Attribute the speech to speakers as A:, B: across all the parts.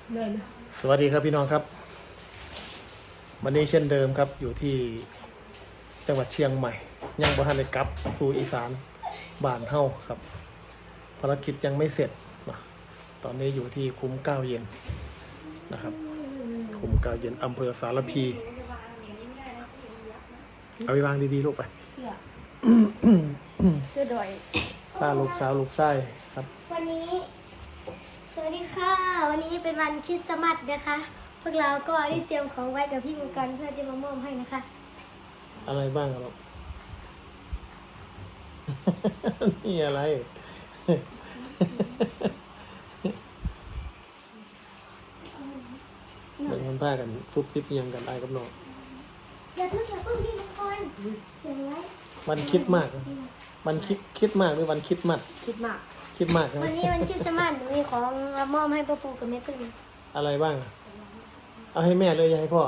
A: สวัสดีครับพี่น้องครับวันนี้เช่นเดิมครับอยู่ที่จังหวัดเชียงใหม่ยังบ่ทันได้กลับสู่อีสานบ้านเฮาครับภารกิจยังไม่เสร็จนะตอนนี้อยู่ที่คุ้มเก้าเย็นนะครับคุ้มเก้าเย็นอำเภอสารพีเอาไปวางดีๆลูกไป
B: เสื้อดอย
A: ป้าลูกสาวลูกชายครับ
B: วันนี้สวัสดีค่ะวันนี้เป็นวันคริสต์มาสนะคะพวกเราก็ได้เตรียมของไว้กับพี่มังกรเพื่อจะมามอบให้นะคะ
A: อะไรบ้างครับ นี่อะไร เหมือนคนพากันซุบซิบยังกันไอ้กับน้อง
B: อย่าเพิ่งพี่มังกรเสียงไว้
A: วันคิดมากวันคิดมากหรือวันคิดมัด
B: คิดมาก
A: คิดมากใช่ไหม
B: วันนี้วันคริสต์มาสหนูมีของมามอบให้พ่อปู่กับแม่พึ่ง
A: อะไรบ้างเอาให้แม่เลยอย่าให้พ่อ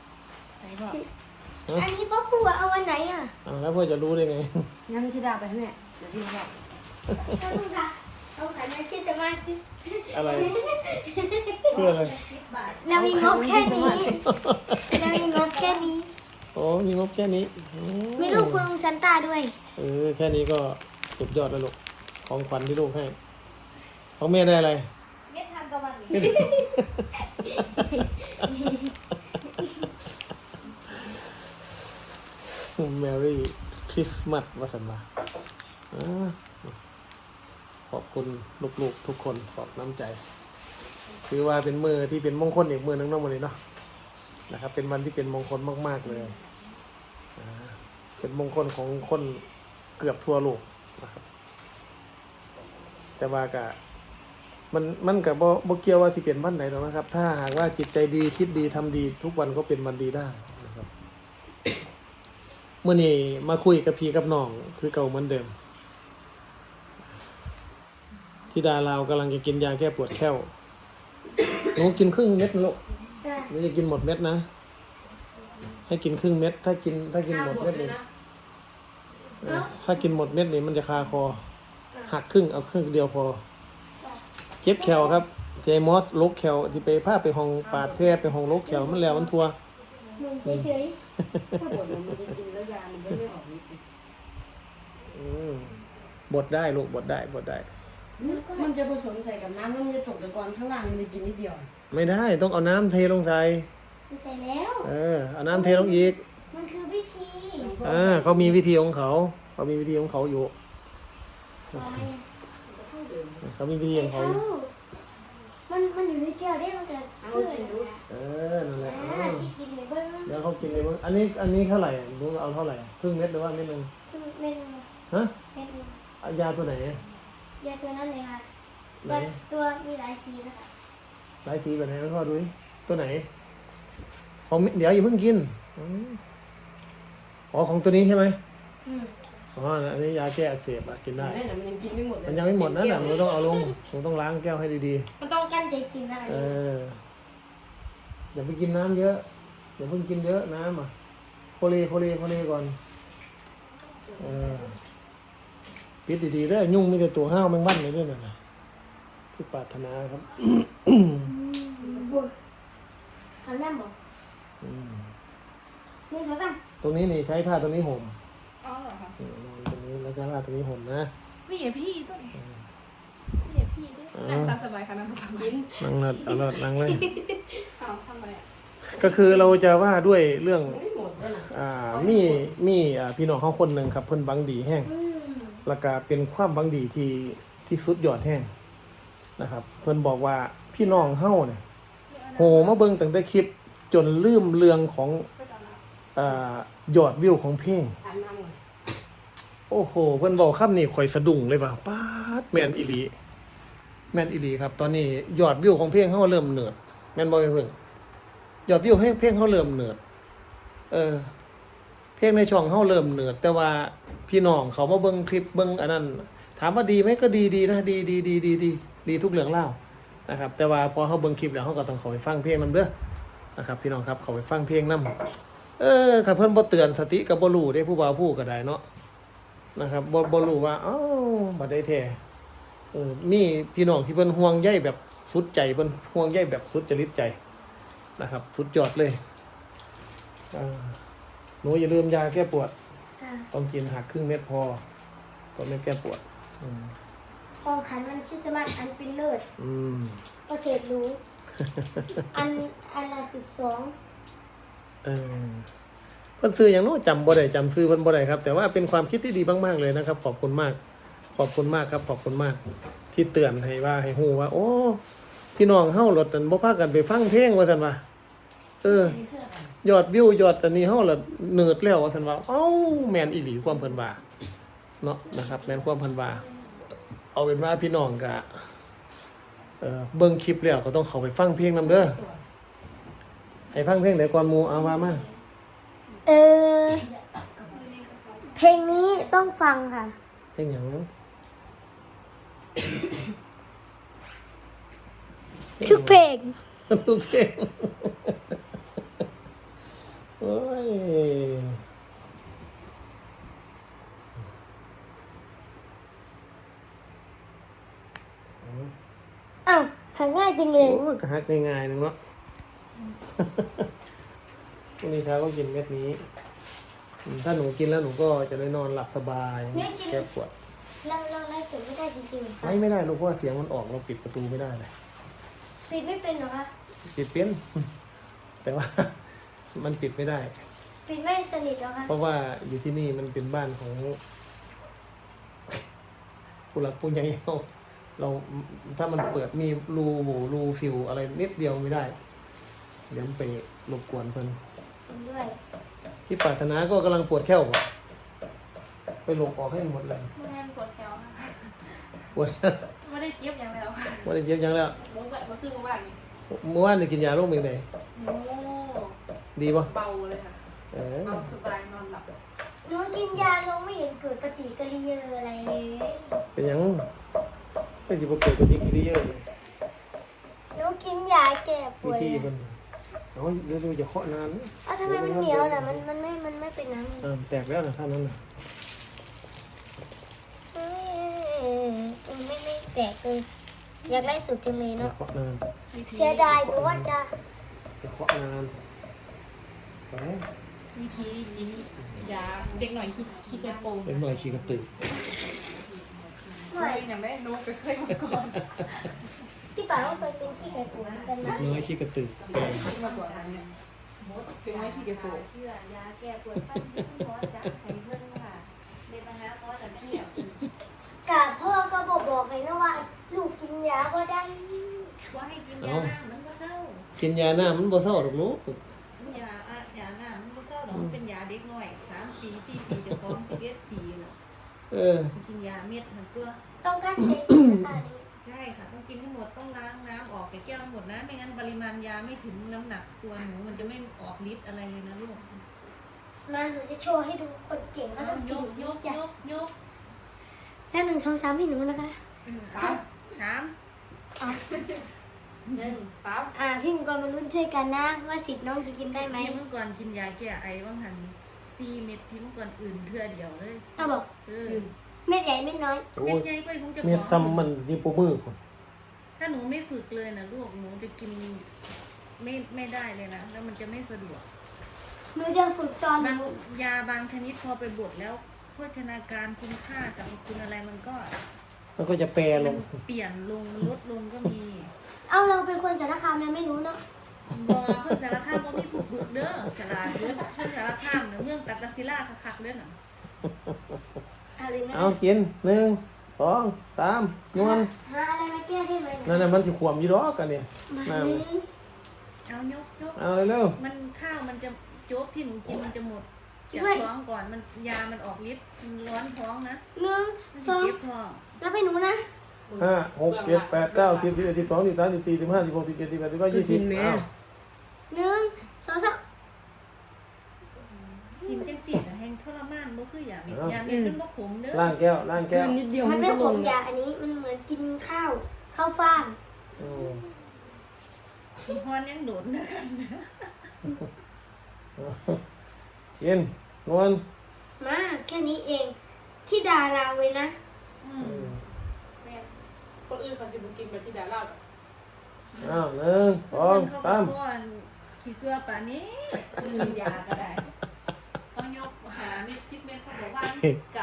B: อันนี้พ่อปู่เอาวันไหนอ่ะ
A: แล้วพ่อจะรู้ได้ไง
C: งั้นที่ดาไปให้แม่เดี๋ยวพี่บอก
B: พ่อปู่ค่ะเอาขันมาคริสต์มาส
A: อะไรเพื่ออะไร
B: เรามีงบแค่นี้เรามีงบแค่นี้
A: โอ้มีงบแค่นี้
B: มีลูกคุณลุงซันต้าด้วย
A: แค่นี้ก็สุดยอดแล้วลูกของขวัญที่ลูกให้ของแม่ได้อะไร
C: เม็ดทานตะวัน
A: แมรี่คริสต์มาสวสันต์ขอบคุณลูกๆทุกคนขอบน้ำใจถือว่าเป็นมือที่เป็นมงคลอีกมือนึงเนาะวันนี้เนาะนะครับเป็นวันที่เป็นมงคลมากๆเลยเป็นมงคลของคนเกือบทั่วโลกนะครับแต่ว่าก็มันกับบ่เกี่ยวว่าสิเป็นวันไหนหรอกนะครับถ้าหากว่าจิตใจดีคิดดีทำดีทุกวันก็เป็นวันดีได้นะครับเมื่อนี้มาคุยกับพี่กับน้องคือเก่าเหมือนเดิมที่ดาเรากำลังจะกินยาแก้ปวดแข้วหนูกินครึ่งเม็ดนะลูกหนูจะกินหมดเม็ดนะให้กินครึ่งเม็ดถ้ากินหมดเม็ดเลยถ้ากินหมดเม็ดนี่มันจะคาคอหักครึ่งเอาครึ่งเดียวพอเจ็บแขวครับเจมอสลกแขวที่ไปพาไปห้องปาดแท้ไปห้องลกแขวมันแล้วมันทัว
B: เฉย
C: ถ้าบดมันจะกินแล้วยามันจะไม่ออกฤทธิ์
A: บดได้ลูกบดได้
C: มันจะผสมใส่กับน้ำแล้วมันจะตกตะกอนข้างล่างมันจะกินนิดเดียว
A: ไม่ได้ต้องเอาน้ำเทลงใส่
B: แล้ว
A: เอาน้ำเทลงอีก
B: มันคือวิธี
A: เขามีวิธีของเขาอยู่เขามีวิธีของเขา
B: มันอยู่ในแก้วได้มันเกิด
A: นั่นแหละ
B: สิกินเลยเบิ้ง
A: เดี๋ยวเขากินเลยเบิ้งอันนี้เท่าไหร่รู้เอาเท่าไหร่ครึ่งเม็ดหรือว่าเม็ดนึง
B: เม็ดนึง
A: ฮะ
B: เม็ดนึง
A: ยาตัวไหน
B: ยาตัวนั้นเลยค่ะตัวมีหลายสีนะคะ
A: หลายสีแบบไหนพ่อดูตัวไหนของเดี๋ยวอย่าเพิ่งกินของตัวนี้ใช่ไหมอันนี้ยาแก้อักเสบกินได้
C: มันยังกินไม่หมดเลย
A: มันยังไม่หมดนะหนูต้องเอาลงหนูต้องล้างแก้วให้ดี
B: ๆมันต้องกั้นใจกินได้
A: อย่าไปกินน้ำเยอะอย่าเพิ่งกินเยอะน้ำโคลีก่อนปิดดีๆได้ยุ่งมีแต่ตัวห้าวแมงวันเลยด้วยนะที่ปรารถนาครับ
B: ทำได้บอกนี่สองสาม
A: ตรงนี้นี่ใช้ผ้าตรงนี้ห่ม
C: อ๋อเหรอคะ
A: ตรงนี้แล้วใช้ผ้าตรงนี้ห่มนะ
C: ไม่เหยียบพี่ต้นไม่เหยียบพี่ด้วยนั่งตาสบายค่ะนั่งตาสบาย
A: นั่งนั่งเลย
C: ทำอะไร
A: ก็คือเราจะว่าด้วยเรื่องมีพี่น้องเขาคนหนึ่งครับเพิ่นหวังดีแห้งแล้วก็เป็นความหวังดีที่สุดยอดแห้งนะครับเพิ่นบอกว่าพี่น้องเฮาเนี่ยโหมาเบิ่งตั้งแต่คลิปจนลืมเรื่องของยอดวิวของเพลงโอ้โหเพิ่นบอกคำนี้ข่อยสะดุ้งเลยว่าป๊าดแม่นอีหลีครับตอนนี้ยอดวิวของเพลงเฮาเริ่มเนิร์ดแม่นบ่เพิ่นยอดวิวเพลงเฮาเริ่มเนิร์ดเพลงในช่องเฮาเริ่มเนิร์ดแต่ว่าพี่น้องเขามาเบิ่งคลิปเบิ่งอันนั้นถามว่าดีไหมก็ดีนะดีทุกเรื่องเล่านะครับแต่ว่าพอเฮาเบิ่งคลิปแล้วเฮาก็ต้องเข้าไปฟังเพลงนำเด้อนะครับพี่น้องครับเข้าไปฟังเพลงนำถ้าเพิ่นบ่เตือนสติก็บ่รู้เด้ผู้บ่าวผู้ก็ได้เนาะนะครับบ่รู้ว่าบัดใดแท้มีพี่น้องที่เพิ่นห่วงใยแบบสุดใจเพิ่นห่วงใยแบบสุดจริตใจนะครับ สุดยอดเลยหนูอย่าลืมยาแก้ปวด
B: ค่ะ
A: ต้องกินหักครึ่งเม็ดพอตอนไม่แก้ปวด
B: ของขันวันคริสต์มาสอันเป็นเลิศ
A: อืม
B: ประเสริฐรู้ อันละ12
A: เออเพิ่นซื้ออย่างโน้จำบ่ได้จำซื้อเพิ่นบ่ได้ครับ แต่ว่าเป็นความคิดที่ดีมากๆเลยนะครับ ขอบคุณมาก ขอบคุณมากครับ ขอบคุณมาก ที่เตือนให้ว่าให้ฮู้ว่า โอ้พี่น้องเฮารถนั่นบ่พากันไปฟังเพลงว่าซั่นว่า ยอดวิวยอดอันนี้เฮาละเนิร์ดแล้วว่าซั่นว่าเอ้าแม่นอีหลีความเพิ่นว่าเนาะนะครับ แม่นความเพิ่นว่าเอาเป็นว่าพี่น้องก็เบิ่งคลิปแล้วก็ต้องเข้าไปฟังเพลงนำเด้อให้ฟังเพลงไหนก่อนหมู่เอาว่ามา
B: เออเพลงนี้ต้องฟังค่ะ
A: เพลงหยัง
B: ทุกเพลง
A: ทุกเพลงโอ้ย
B: อ้าวหาง่ายจริงเลย
A: โอ้ยก็หักง่ายๆนึงเนาะ พรุ่งนี้เช้าก็กินเม็ดนี้ถ้าหนูกินแล้วหนูก็จะได้นอนหลับสบายแก้ปวด
B: เราไล่สดไม่ได้จริงๆค่ะ
A: ไม่ได้ลูกเพราะว่าเสียงมันออกเราปิดประตูไม่ได้เลย
B: ปิดไม่เป็นเหรอคะ
A: ปิดเป็น แต่ว่า มันปิดไม่ได้
B: ปิดไม่สนิทเหรอคะ
A: เพราะว่าอยู่ที่นี่มันเป็นบ้านของ ผู้หลักผู้ใหญ่เราถ้ามันเปิดมีรูโหว่รูฟิวอะไรนิดเดียวไม่ได้ เดี๋ยวมันไปรบกวนเพิ่น
B: จริงด้วย
A: ที่ปรารถนาก็กำลังปวดแข้วบ่ไปหลบออกให้หมดเลย
C: ไม่ได้ปวดแถวค่ะ
A: ปวด
C: ไม่ได้เจี๊ยบอย่างแล้วค่ะ
A: ว่าได้เย็บยังแล้ว
C: เมื่อคืนเมื่อวานนี้
A: เมื่อวานได้กินยาโรคเป็นไง
C: โอ้
A: ดีป่ะ
C: เบาเลยค่ะ
A: เออ
C: เบาสบายนอนหลับ
B: หนูกินยาลงไม่เห็นเกิดปฏิกิริยาอะไรเลย
A: เป็นหยังไม่สิบ่เกิดปฏิกิริยาเลย
B: หนูกินยาแก้ป
A: วิ
B: วด
A: ธีมันโอ้ยเร็วๆอย่าเคาะนานนะ
B: อ้าวทำไมมันเหนียวล่ะมันไม่เป็นน้ำ
A: แตกแล้วนะท่านนั้นน่ะ
B: ไม่แตกเลย อยากไล่สุดจังเลย
A: อย่า
B: เนาะ
A: เคาะนาน
B: เสียดายหนูว่าจะ
A: อย่าเคาะนานไป
C: วิธียิ้มยาเด็กหน่อยคิดกระโปรง
A: เล็กน้อยขี้กระตือ
B: หน่อย
C: อย่างแม่นุ๊กไปเคยมาก่อน
B: ที่ป่าก็เคยเป็นขี้ไก่ปวดกัน
A: เล็
B: นะ
A: กน้อยขี้กระตือแกง
C: คิดมาก่อนอันเนี้ยเป็นไม้คิดกระโปรง
D: เชื่อยาแก้ปวดฟันที่คุณหมอจัดให้เพิ่นค่ะเด็กมาหาหมอแต่ไม่เหี่ยว
B: กาพ่อก็บอกเลยนะว่า ลูกกินยาก็ได้
D: ว่าให้กินยาหน้ามันก็เศร้า
A: กินยาหน้ามันบ่เศร้าหรอกลูก
D: ยาหน้ามันก็เศร้าดอกมันเป็นยาเด็กน้อย3 ปี4 ปีจะท้อง11 ปีน่ะ
A: เออ
D: กินยาเม็ดมันก็
B: ต้องการเซ็กนะคะนี่
D: ใช่ค่ะต้องกินให้หมดต้องล้างน้ำออกแก้วให้หมดนะไม่งั้นปริมาณยาไม่ถึงน้ำหนักตัวหนูมันจะไม่ออกฤทธิ์อะไรเลยนะลูก
B: มาหนูจะโชว์ให้ดูคนเก่งว่า
D: เอา
B: ต้อง
D: ย
B: กิน
D: กยก
B: ยาย
D: กยก
B: แล้ว1 2 3ให้หนูนะคะ
C: 3
B: อ๋อ
C: 1 3
B: พี่มังกรมาลุ้นช่วยกันนะ ว่าสิทธิ์น้องจะกินได้ไหม
D: พี่เมื่อก่อนกินยาแก้ไอว่างหัน4 เม็ดพี่เมื่อก่อนอื่นเทื่อเดียวเลย
B: เอาบอก
D: เออ
B: เม็ดใหญ่เม็ดน้อย
A: โอ้
D: เม็
A: ย
D: ดใหญ่ไปคงจะ
A: เมียซ้ำมันนี่ปูมือพุ่น
D: ถ้าหนูไม่ฝึกเลยนะลูกหนูจะกินไม่ได้เลยนะแล้วมันจะไม่สะดวก
B: หนูจะฝึกตอนห
D: บาง
B: นู
D: ยาบางชนิดพอไปบดแล้วโภชนาการคุณค่าสรรพคุณอะไรมันก็
A: มันก็จะแปรล
D: มัน
A: ง
D: เปลี่ยนลงลดลงก็มี
B: เอาเราเป็นคนสารคามนะไม่รู้เนาะ
D: บอเพื่อนสารคามบ่มีผูกบึกเด้อสารเด้อเพื่อนสารคามเด้อเมืองตักกะศิลาคักๆเด้อน่ะ
B: เอาเลยนะ
A: เอากิน1 2 3นวล
B: หาอะไรมาแก้ได้ไหม
A: นั่นน่ะมันสิขวมอยู่ดอกกันเนี่ย
B: มา
A: นั่น
B: หนึ่ง
D: เอายก
A: เอาเร็ว
D: มันข้าวมันจะโจ๊กที่หนูกินมันจะหมดจากท้องก่อนมันยามันออกฤทธิ์มันร้อนท้องนะ
B: หนึ่ง
D: มัน
B: ส
D: จะ
B: อง
D: เจ็บท้อง
B: แล้วไปหนูนะ
A: ๆ5 6 7 8 9 10 11 12 13 14 15 16 17 18 19 20อ้าว
B: หนึ่งสองสาม
D: กินจังสี่นะแห้งทรมานบ่คืออย่างนี้ยาเม็ดมันบ่ขมเด้อ
A: ล้างแก้วล้างแก้ว
C: นิดเดียว
B: มันไม่
C: ก็
B: ข
C: ล
B: ม
C: ง
B: ยาอันนี้มันเหมือนกินข้าวฟ่าง
A: อืม
D: สีฮอนยังโดดนะกันนะ
A: กินนวล
B: มาแค่นี้เองที่ดาราเว้ยนะ
D: อื
A: อื
D: ม
A: ม
C: แม่คนอื่นเขาสิบ่กินไปที่ดาราแบบ
A: อ้าวหนึ่งสอง
D: เขา
A: สาม
D: บอกว่าขี้เสื้อป่านนี้กินยาก็ได้เขายกหาเม็ด10 เม็ดเขาบอกว่า